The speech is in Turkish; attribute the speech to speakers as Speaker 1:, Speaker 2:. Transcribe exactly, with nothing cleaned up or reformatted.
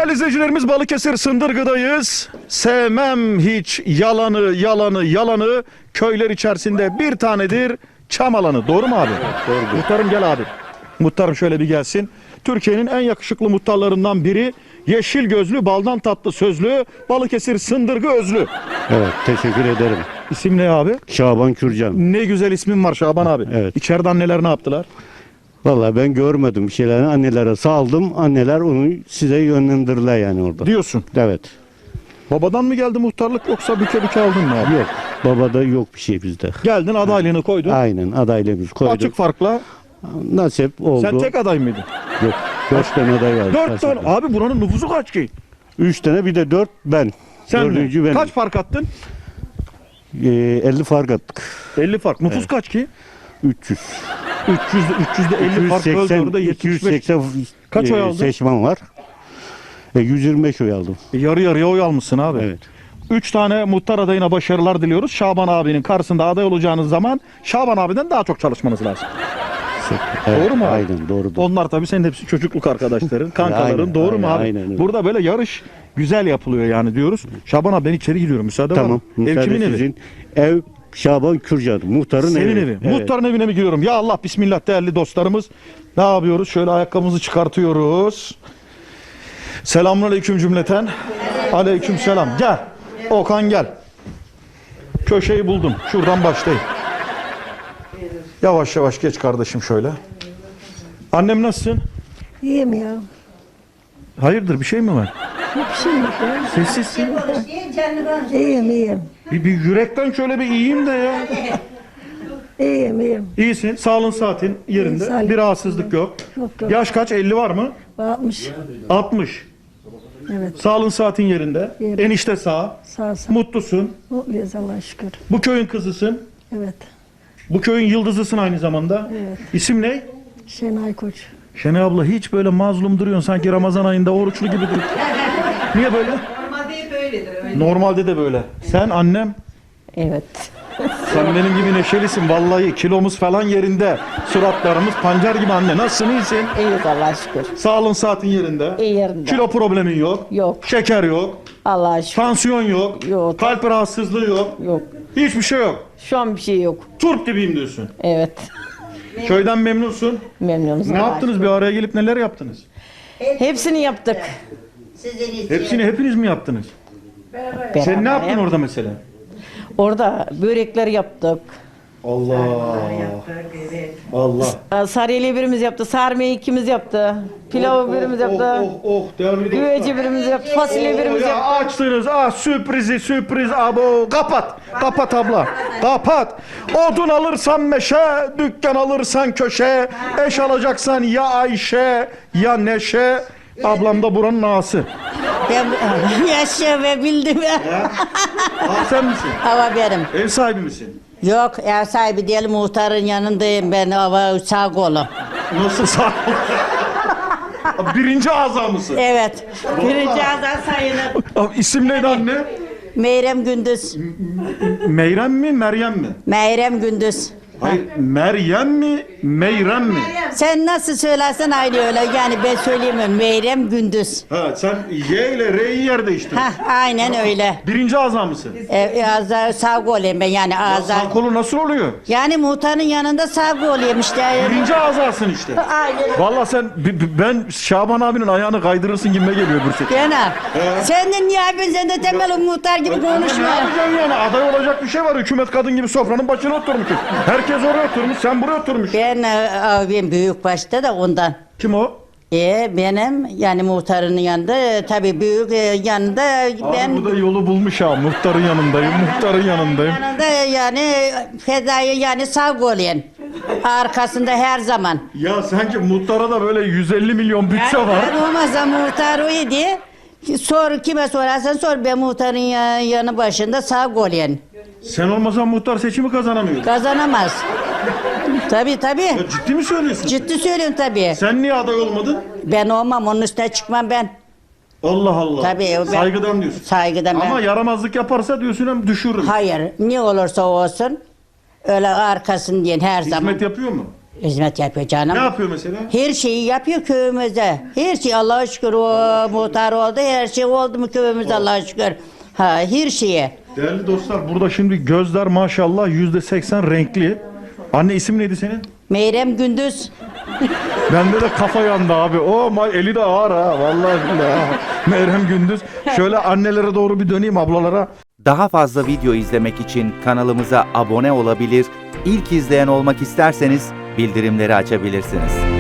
Speaker 1: Değerli izleyicilerimiz, Balıkesir Sındırgı'dayız. Sevmem hiç yalanı yalanı yalanı. Köyler içerisinde bir tanedir çam alanı. Doğru mu abi?
Speaker 2: Evet, doğrudur.
Speaker 1: Muhtarım gel abi. Muhtarım şöyle bir gelsin. Türkiye'nin en yakışıklı muhtarlarından biri. Yeşil gözlü, baldan tatlı sözlü, Balıkesir Sındırgı özlü.
Speaker 2: Evet, teşekkür ederim.
Speaker 1: İsim ne abi?
Speaker 2: Şaban Kürcan.
Speaker 1: Ne güzel ismin var Şaban abi.
Speaker 2: Evet.
Speaker 1: İçeride anneler ne yaptılar?
Speaker 2: Vallahi ben görmedim bir şeyleri. Annelere saldım. Anneler onu size yönlendirdiler yani orada.
Speaker 1: Diyorsun.
Speaker 2: Evet.
Speaker 1: Babadan mı geldi muhtarlık yoksa büke büke aldın mı abi?
Speaker 2: Yok. Babada yok bir şey bizde.
Speaker 1: Geldin, adaylığını koydun.
Speaker 2: Aynen adaylığımız koyduk.
Speaker 1: Açık farkla.
Speaker 2: Nasip oldu.
Speaker 1: Sen tek aday mıydın?
Speaker 2: Yok. Dört tane aday var.
Speaker 1: Dört tane. Abi buranın nüfusu kaç ki?
Speaker 2: Üç tane bir de dört ben.
Speaker 1: Sen
Speaker 2: Dördüncü
Speaker 1: mi?
Speaker 2: benim.
Speaker 1: Kaç fark attın?
Speaker 2: Ee, elli fark attık.
Speaker 1: elli fark. Nüfus kaç ki?
Speaker 2: üç yüz.
Speaker 1: üç yüz, üç yüzde elli fark böldü orada yetmiş beş.
Speaker 2: iki yüz seksen
Speaker 1: Kaç oy aldın?
Speaker 2: seçmen var. E, yüz yirmi beş oy aldım.
Speaker 1: E, Yarı yarıya oy almışsın abi.
Speaker 2: Evet.
Speaker 1: Üç tane muhtar adayına başarılar diliyoruz. Şaban abinin karşısında aday olacağınız zaman Şaban abiden daha çok çalışmanız lazım.
Speaker 2: Evet,
Speaker 1: Doğru mu abi?
Speaker 2: Aynen doğrudur.
Speaker 1: Onlar tabii senin hepsi çocukluk arkadaşların, kankaların.
Speaker 2: Aynen,
Speaker 1: Doğru mu
Speaker 2: aynen,
Speaker 1: abi?
Speaker 2: aynen öyle.
Speaker 1: Burada böyle yarış güzel yapılıyor yani diyoruz. Şaban abi ben içeri giriyorum. Müsaade var
Speaker 2: Tamam.
Speaker 1: mı? Ev
Speaker 2: müsaade
Speaker 1: kimin evi?
Speaker 2: sizin. Ev Şaban Kürcan. Muhtarın
Speaker 1: Senin
Speaker 2: evi.
Speaker 1: evi.
Speaker 2: Evet.
Speaker 1: Muhtarın evine mi giriyorum? Ya Allah bismillah değerli dostlarımız. Ne yapıyoruz? Şöyle ayakkabımızı çıkartıyoruz. Selamünaleyküm cümleten. Aleyküm selam. Gel. Okan gel. Köşeyi buldum. Şuradan başlayayım. Yavaş yavaş geç kardeşim şöyle. Annem nasılsın?
Speaker 3: İyiyim ya.
Speaker 1: Hayırdır bir şey mi var?
Speaker 3: Bir şey yok ya.
Speaker 1: Sessizsin.
Speaker 3: İyiyim iyiyim.
Speaker 1: Bir, bir yürekten şöyle bir iyiyim de ya.
Speaker 3: İyiyim iyiyim.
Speaker 1: İyisin. Sağlığın saatin yerinde.
Speaker 3: İyi, sağ-
Speaker 1: Bir rahatsızlık yok.
Speaker 3: Yok yok.
Speaker 1: Yaş kaç? elli var mı?
Speaker 3: Bakmış.
Speaker 1: altmış.
Speaker 3: Evet.
Speaker 1: Sağlığın saatin yerinde.
Speaker 3: Yerinde.
Speaker 1: Enişte sağ.
Speaker 3: Sağ sağ.
Speaker 1: Mutlusun.
Speaker 3: Mutluyuz Allah'a şükür.
Speaker 1: Bu köyün kızısın.
Speaker 3: Evet.
Speaker 1: Bu köyün yıldızısın aynı zamanda.
Speaker 3: Evet.
Speaker 1: İsim ne?
Speaker 3: Şenay Koç.
Speaker 1: Şenay abla hiç böyle mazlum duruyorsun sanki Ramazan ayında oruçlu gibi duruyorsun. Niye böyle?
Speaker 4: Normalde hep öyledir. Öyle.
Speaker 1: Normalde de böyle. Sen annem.
Speaker 5: Evet.
Speaker 1: Sen benim gibi neşelisin vallahi. Kilomuz falan yerinde. Suratlarımız pancar gibi anne. Nasılsın, iyisin?
Speaker 5: İyiyiz Allah'a şükür.
Speaker 1: Sağlığın saatin yerinde.
Speaker 5: İyi yerinde.
Speaker 1: Kilo problemin yok.
Speaker 5: Yok.
Speaker 1: Şeker yok.
Speaker 5: Allah'a şükür.
Speaker 1: Tansiyon yok.
Speaker 5: Yok.
Speaker 1: Kalp rahatsızlığı yok.
Speaker 5: Yok.
Speaker 1: Hiçbir şey yok.
Speaker 5: Şu an bir şey yok.
Speaker 1: Turp gibiyim diyorsun.
Speaker 5: Evet.
Speaker 1: Köyden memnunsun.
Speaker 5: Memnunuz.
Speaker 1: Ne
Speaker 5: Allah'a
Speaker 1: yaptınız?
Speaker 5: şükür.
Speaker 1: Bir araya gelip neler yaptınız?
Speaker 5: Hepsini yaptık.
Speaker 1: Hepsini hepiniz mi yaptınız? Sen ne yaptın
Speaker 5: Beraber.
Speaker 1: orada mesela?
Speaker 5: Orada börekler yaptık.
Speaker 1: Allah. Allah.
Speaker 5: Sarıyeli birimiz yaptı. Sarmayı ikimiz yaptı. Pilavı birimiz yaptı.
Speaker 1: Oh oh oh. Değerli
Speaker 5: Güveci birimiz yaptı. Fasulye birimiz
Speaker 1: ya
Speaker 5: yaptı.
Speaker 1: açtınız. Ah sürprizi sürpriz abo. Kapat. Kapat abla. Kapat. Odun alırsan meşe, dükkan alırsan köşe, eş alacaksan ya Ayşe ya Neşe. Ablam da buranın ağası.
Speaker 6: Ben yaşa ve bildim.
Speaker 1: Ah sen misin?
Speaker 6: Hava benim.
Speaker 1: Ev sahibi misin?
Speaker 6: Yok ev sahibi değil muhtarın yanındayım ben hava sağ kolum.
Speaker 1: Nasıl sağ Birinci azam mısın?
Speaker 6: Evet. Birinci azan sayılır.
Speaker 1: Abi, İsim neydi anne?
Speaker 6: Meyrem Gündüz.
Speaker 1: Meyrem mi, Meryem mi?
Speaker 6: Meyrem Gündüz.
Speaker 1: Hayır, Meryem mi, Meyrem mi?
Speaker 6: Sen nasıl söylersen aynı öyle. Yani ben söyleyemem. Meyrem Gündüz.
Speaker 1: Ha, sen Y ile R'yi yer değiştirdin.
Speaker 6: Hah aynen öyle.
Speaker 1: Birinci azam mısın?
Speaker 6: E, ağza sağ kolum ben yani ağza.
Speaker 1: Sağ kolu nasıl oluyor?
Speaker 6: Yani muhtarın yanında sağ kolum işte.
Speaker 1: Birinci azasın işte.
Speaker 6: Aynen.
Speaker 1: Vallahi sen, b- b- ben Şaban abinin ayağını kaydırırsın gibime geliyor bir şey.
Speaker 6: Yana. Sen de niye yapıyorsun? Sen de temel muhtar gibi
Speaker 1: Ne
Speaker 6: konuşma.
Speaker 1: yapacaksın yani? Aday olacak bir şey var. Hükümet kadın gibi sofranın başına oturmuşsun. Herkes oraya oturmuş, sen buraya oturmuş.
Speaker 6: Ben e, abim büyük başta da ondan.
Speaker 1: Kim o?
Speaker 6: E benim yani muhtarın yanında e, tabii büyük e, yanında ben
Speaker 1: Abi bu da yolu bulmuş ha. Muhtarın yanındayım, muhtarın yanındayım.
Speaker 6: yanında yani fedayı yani sağ kolyen. Arkasında her zaman.
Speaker 1: Ya sanki muhtara da böyle yüz elli milyon bütçe var.
Speaker 6: Ben olmazsa muhtar o idi. Sor kime sorarsan sor ben muhtarın ya- yanı başında sağ kolyen.
Speaker 1: Sen olmasan muhtar seçimi kazanamıyor.
Speaker 6: Kazanamaz. Tabii tabii.
Speaker 1: Ya ciddi mi söylüyorsun?
Speaker 6: Ciddi söylüyorum tabii.
Speaker 1: Sen niye aday olmadın?
Speaker 6: Ben olmam onun üstüne çıkmam ben.
Speaker 1: Allah Allah.
Speaker 6: Tabii, ben-
Speaker 1: Saygıdan diyorsun.
Speaker 6: Saygıdan ben.
Speaker 1: Ama yaramazlık yaparsa diyorsun hem düşürürüm.
Speaker 6: Hayır, ne olursa olsun öyle arkasın diyen her zaman.
Speaker 1: Hizmet yapıyor mu?
Speaker 6: hizmet yapıyor canım.
Speaker 1: Ne yapıyor mesela?
Speaker 6: Her şeyi yapıyor köyümüzde. Her şey Allah'a şükür o muhtar oldu. Her şey oldu mu köyümüzde Allah'a şükür. Ha her şeye.
Speaker 1: Değerli dostlar, burada şimdi gözler maşallah yüzde seksen renkli. Anne, isim neydi senin?
Speaker 6: Meyrem Gündüz.
Speaker 1: Bende de kafa yandı abi. O ma eli de ağır ha. Vallahi billahi. ha. Meryem Gündüz. Şöyle annelere doğru bir döneyim, ablalara.
Speaker 7: Daha fazla video izlemek için kanalımıza abone olabilir, ilk izleyen olmak isterseniz bildirimleri açabilirsiniz.